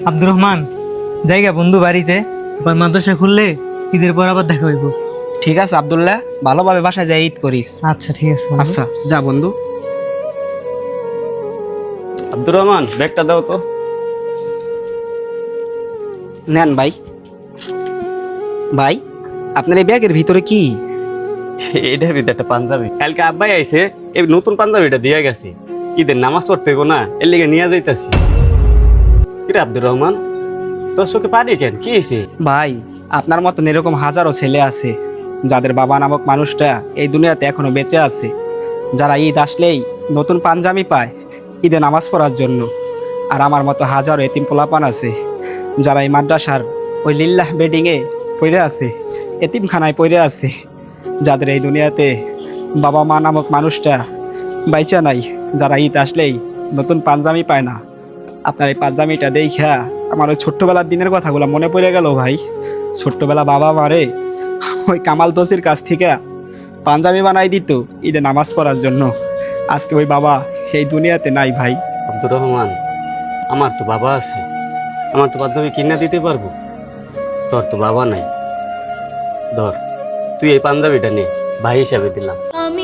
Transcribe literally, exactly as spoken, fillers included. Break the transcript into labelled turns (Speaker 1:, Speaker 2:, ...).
Speaker 1: আব্দুর রহমান, জায়গা বন্ধু বাড়িতে, আবার মাদ্রাসা খুললে ঈদের পর আবার দেখা হইব।
Speaker 2: ঠিক আছে আব্দুল্লাহ, ভালোভাবে বাসায় যাই ঈদ করিস।
Speaker 1: আচ্ছা ঠিক আছে বন্ধু।
Speaker 2: আচ্ছা যা বন্ধু।
Speaker 3: আব্দুর রহমান, ব্যাগটা দাও তো।
Speaker 2: নেন ভাই। ভাই, আপনার এই ব্যাগের ভিতরে কি?
Speaker 3: এটার ভিতরে একটা পাঞ্জাবি, কালকে আব্বাই আইছে, এই নতুন পাঞ্জাবিটা দিয়ে গেছে। ঈদের নামাজ পড়তে গো না, এর লিগে নিয়ে যাইতাছি। কিরে আব্দুর রহমান, তোর চোখে পানি কেন, কি হয়েছে?
Speaker 2: ভাই, আপনার মতন এরকম হাজারো ছেলে আছে যাদের বাবা নামক মানুষটা এই দুনিয়াতে এখনো বেঁচে আছে, যারা ঈদ আসলেই নতুন পাঞ্জাবি পায় ঈদে নামাজ পড়ার জন্য। আর আমার মতো হাজারো এতিম পোলাপান আছে যারা এই মাদ্রাসার ওই লিল্লাহ বেডিংয়ে পড়ে আছে, এতিমখানায় পড়ে আছে, যাদের এই দুনিয়াতে বাবা মা নামক মানুষটা বাইচা নাই, যারা ঈদ আসলেই নতুন পাঞ্জাবি পায় না। আপনার এই পাঞ্জাবিটা দেখা আমার ওই ছোট্টবেলার দিনের কথাগুলো মনে পড়ে গেল ভাই। ছোট্টবেলা বাবা মারে ওই কামাল দোষের কাছ থেকে পাঞ্জাবি বানাই দিত ঈদে নামাজ পড়ার জন্য। আজকে ওই বাবা এই দুনিয়াতে নাই ভাই।
Speaker 3: আব্দুর রহমান, আমার তো বাবা আছে, আমার তো পাঞ্জাবি কিনা দিতে পারবো, তোর তো বাবা নাই। ধর, তুই এই পাঞ্জাবিটা নে, ভাই হিসাবে দিলাম।
Speaker 4: আমি